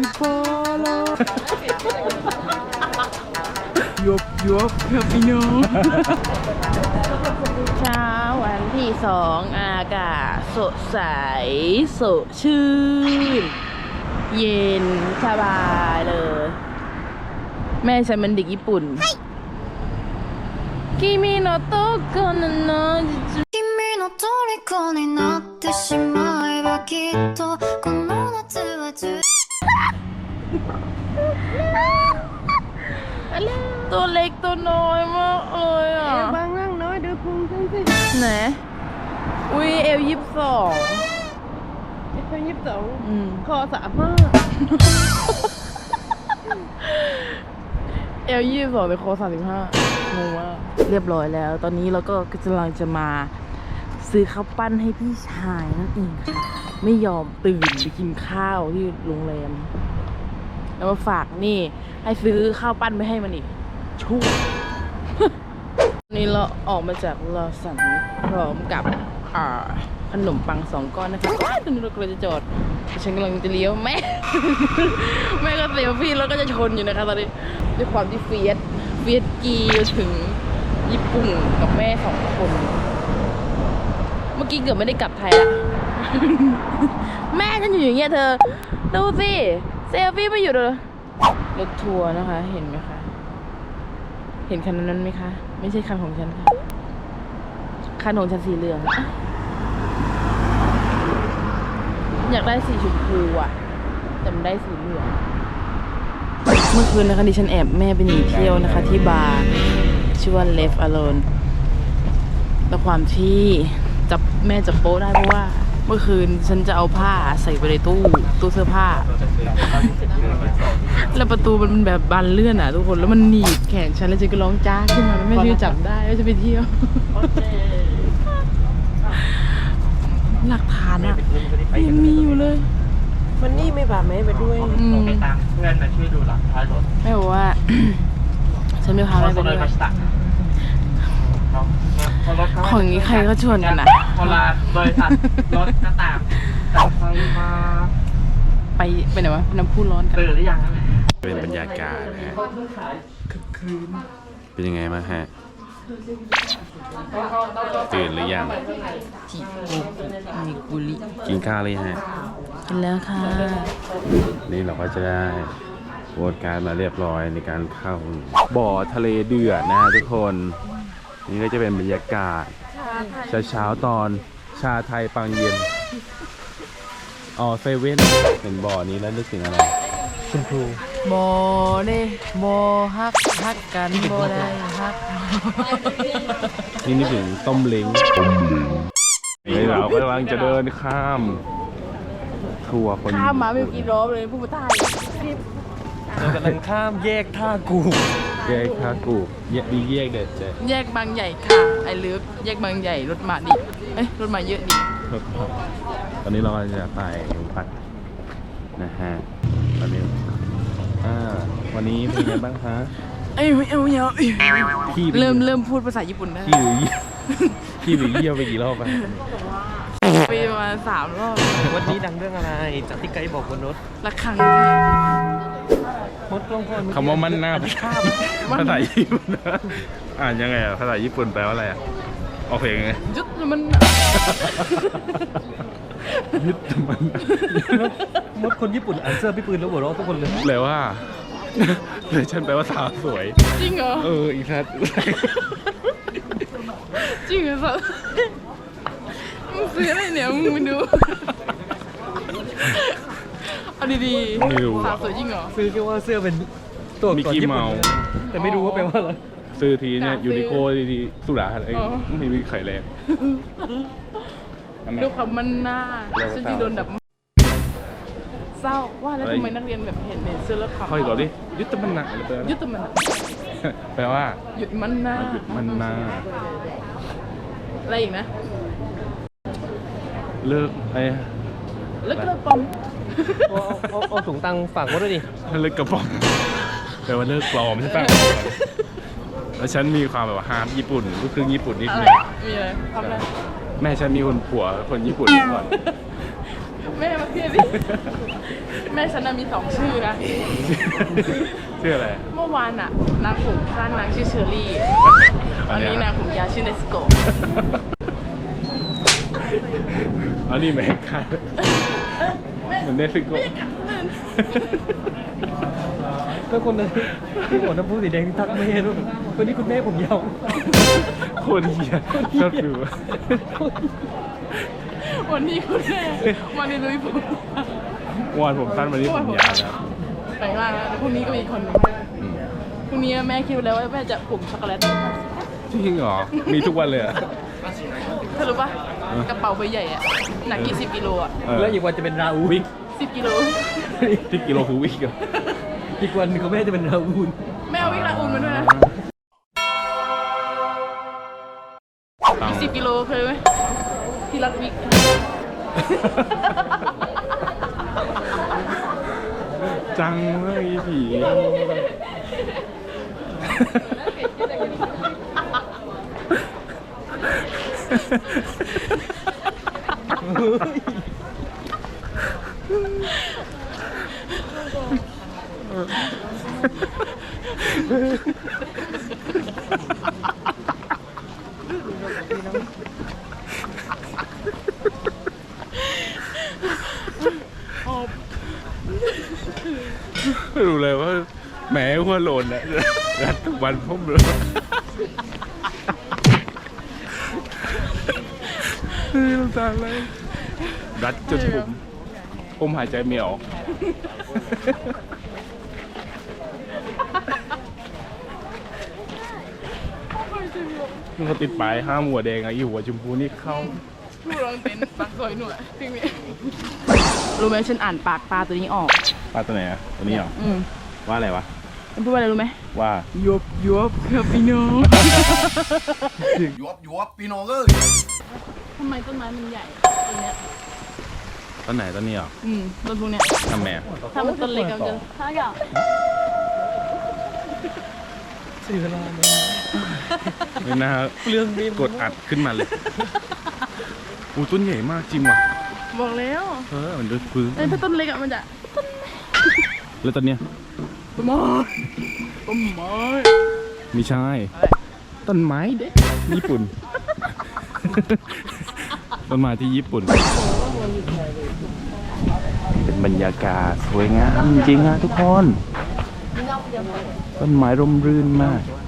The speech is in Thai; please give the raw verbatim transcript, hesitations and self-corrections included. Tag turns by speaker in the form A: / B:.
A: พอแล้วยบยบครับพี่น้องเช้าวันที่สองอากาศสดใสสดชื่นเย็นสบายเลยแม่ฉันเป็นเด็กญี่ปุ่นคิมิโนโตะโกโนโนะ
B: 君の虜になってしまえばきっとこの夏は充
A: ตัวเล็กตัวน้อยมากเลยอ่ะ
C: บางร่างน้อยเดี๋ยวพุงฉันสิ
A: ไหนอุ้ยเอลยี่สิบสอง
C: ไอ้คนยิบสอง
A: อืม
C: คอสามห้า
A: เอลยี่สิบสองแต่คอสามสิบห้างงมากเรียบร้อยแล้ว ตอนนี้เราก็กำลังจะมาซื้อข้าวปั้นให้พี่ชายนั่นเองค่ะไม่ยอมตื่นไปกินข้าวที่โรงแรมแล้วมาฝากนี่ให้ซื้อข้าวปั้นไปให้มันอีกชั่ว นี่เราออกมาจากลอสันพร้อมกับอ่าขนมปังสองก้อนนะคะว้าวตอนนี้เรากำลังจะจอดฉันกำลังจะเลี้ยวแม่ แม่ก็เซลฟี่แล้วก็จะชนอยู่นะคะตอนนี้ด้วยความที่เฟียสเฟียสกีถึงญี่ปุ่นกับแม่สองคน เมื่อกี้เกือบไม่ได้กลับไทยละ แม่ฉันอยู่อย่างเงี้ยเธอดูสิเซลฟี่ไม่หยุดเลยรถทัวร์นะคะเห็นไหมคะเห็นคันนั้นไหมคะไม่ใช่คันของฉันค่ะคันของฉันสีเหลืองอยากได้สีชมพูอ่ะแต่มันได้สีเหลืองเมื่อคืนนะคะดิฉันแอบแม่ไปหนีเที่ยวนะคะที่บาร์ชื่อว่า Left Alone แต่ความที่จับแม่จับโป๊ะได้เพราะว่าเมื่อคืนฉันจะเอาผ้าใส่ไปในตู้ตู้เสื้อผ้าแล้วประตูมันแบบบานเลื่อนอ่ะทุกคนแล้วมันหนีบแขนฉันแล้วฉันก็ร้องจ้าขึ้นมาแล้วแม่ช่วยจับได้ว่าจะไปเที่ยวหลักฐานอ่ะยังมีอยู่เลย
C: มันนี่ไม่บาดแม่ไปด้วย
A: อืม
D: ไปตามเพื่อนมาช่วยดูหลังท้ายรถ
A: แม่บอกว่า ฉันไม่พาแม่ไปด้วยของนี้ใครก็ชวนกันอ่ะ
D: พอลาบริษัทรถก็ตามแต่ใครมา
A: ไปไปไหนวะไปน้ำพุร้อนกัน
D: ตื่นหรือยังครับ
E: เป็นบรรยากาศนะฮะเป็นยังไงบ้างฮะ ตื่นหรือยัง
A: จิโกกุมิกุริ
E: กินข้าวหรือยังฮะ
A: กินแล้วค่ะ
E: นี่เราก็จะได้โหวตการมาเรียบร้อยในการเข้าบ่อทะเลเดือดนะฮะทุกคน นี่ก็จะเป็นบรรยากาศเช้าๆตอนชาไทยปังเย็น อ๋อเซเว่นเห็นบ่อนี้แล้วนึกถึงอะไรชมพู
A: โมเน่โมฮักฮักกันโมได้ฮัก
E: นี่นึกถึงต้มเล้งต้มเล้งนี่เราก็กำลังจะเดินข้ามทัวร์คน
A: ข้ามมาไม่กี่รอบเลยผู้มาใต้
D: เรากำลังข้ามแยกท่ากู
E: แยกท่ากูแยกดีแยกเด็ดเจ๊
A: แยกบางใหญ่ค่ะไอเลิฟแยกบางใหญ่รถมาดิเอ้ยรถมาเยอะดิ
E: ตอนนี้เรากำลังจะไปพัดนะฮะตอนนี้อ่าวันนี้เป็นไงบ้างคะ
A: เอ้ยไม่เอาไม่เอา
E: พี่
A: เริ่มเริ่มพูดภาษาญี่ปุ่นได้
E: พี่หรือพี่หรือเยี่ยวไปกี่รอบไป
A: ไปประมาณสามรอบ
D: วันนี้ดังเรื่องอะไรจากที่ไกด์บอกบนรถ
A: ละครั้ง
D: มดกล้องคน
E: คำว่ามันหน้าภาษาญี่ปุ่นนะอ่านยังไงอ่ะภาษาญี่ปุ่นแปลว่าอะไรอ่ะโอเคไง
A: ยุดมัน
E: ยึดมัน
D: มดคนญี่ปุ่นอ่านเสื้อพี่ปืนแล้วหัวเราะทุกคนเลย
E: แปลว่าเลยฉันแปลว่าสาวสวย
A: จริงเหรอ
E: เอออีกทัด
A: จริงเหรอสัสมึงซื้ออะไรเนี่ยมึงไปดูเอาดีๆสาวสวยจริงเหรอ
D: ซื้อแค่ว่าเสื้อเป็นตัว
E: มิกกี้เมาส์
D: แต่ไม่รู้ว่าแปลว่าอะไร
E: ซื้อทีเนี่ยยูนิโคทีสุราอะไร
A: อ๋อ
E: ไม่มีไข่แรงอันนั้น
A: ดูความมันหน้า
E: แล้วก็
A: ฉันที่โดนดับเศร้าว่าแล้วทำไมนักเรียนแบบเห็นเนี่ยเสื้อแล้วขำ
E: ค่อยก่อนดิยุทธมันหนักอะไรแปลว่า
A: ยุดมันอะ
E: แปลว่า
A: หยุดมันหน้า
E: หยุดมันนา
A: อะไรอีกนะ
E: เลิกไอ้
A: แล้วก็ปอม
D: เอาเอาเอาถุงตังค์ฝากไว้ด้วยดิ
E: เลิกกระป๋องแปลว่าเลิกปลอมใช่ปะแล้วฉันมีความแบบว่าฮาร์ดญี่ปุ่นลูกครึ่งญี่ปุ่นนิด
A: อะไร
E: นึง
A: มีอะไรทำอะไร
E: แม่ฉันมีคนผัวคนญี่ปุ่นก่อน
A: แม่มาเพียดิแม่ฉันน่ะมีสองชื่อนะ
E: ชื่ออะไร
A: เมื่อวานอะนางผมสั้นนางชื่อเชอรี่อันนี้นางผมยาวชื่อเนสโก
E: อันนี้แม่ค่ะเหมือนเนสโก
C: ก็คนนั้นที่หัวน้ำพุสีแดงที่ทักแม่ด้วยคนนี้คุณแม่ผมยาว
E: โคตรเหี้ยชอบดู
A: วันนี้คุณแม่วันนี้ลุยผม
E: วานผมสั้นวันนี้ผมยาวนะ
A: แปลงร่างแล้วพรุ่งนี้ก็มีอีกคนหนึง
E: อืม
A: พรุ่งนี้แม่คิดไว้แล้วว่าแม่จะผมช็อกโกแลต
E: จริงเหรอ มีทุกวันเลยเหรอ
A: เธอรู้ปะกระเป๋าใบใหญ่อะหนักกี่สิบกิโลอะ
E: เออ
C: แล้วอีกวันจะเป็นราอู
E: วิก
A: สิบกิโล
E: ที่กิโลคือวิกเหรอ
C: อีกวันเขาแม่จะเป็นราอูน
A: แม่เอาวิ่งลาอุ่นมาด้วยนะ
E: ตัง
A: สิบกิโลเคยไหมที่รักวิก
E: จังเลยผี รู้เลยว่าแหมหัวโลนอะรัดทุกวันพุ่มเลยเฮ้ยน้ำตาไหลรัดจนผมผมหายใจไม่ออกมันเขาติดป้ายห้ามหัวแดงอะอีหัวชมพูนี่เข้า
A: ลูกลองเต้นปากซอยหน่อยจริงไหมรู้ไหมฉันอ่านปากปลาตัวนี้ออก
E: ปลาตัวไหนอะตัวนี้เหรอ
A: อืม
E: ว่าอะไรวะ
A: มันพูดว่าอะไรรู้ไหม
E: ว่า
A: ยบยบครับพี่น้อง
F: ยวบยวบพี่น้องเอ้ย
A: ทำไมต้นไม้มันใหญ่ต้นเนี้ย
E: ต้นไหนต้นนี้เหรอ
A: อืมต้นพวกเนี้ย
E: ทำไมอะ
A: ถ้ามันต้นเล็กอะมันจะถ้าอยาก
C: สื่อเวลาเนี่ย
E: ไม่น่า
C: เรื่องนี้
E: กดอัดขึ้นมาเลยอูต้นใหญ่มากจริงว่ะ
A: บอกแล้ว
E: เออมันดูพื้น
A: แต่ถ้าต้นเล็กอะมันจะ
E: แล้วต้นเนี้ย
A: ต้นไม้ต้นไม้
E: ไม่ใช่ ต้นไม้เด็กญี่ปุ่น ต้นไม้ที่ญี่ปุ่น เป็นบรรยากาศสวยงามจริงๆนะทุกคน ต้นไม้ร่มรื่นมาก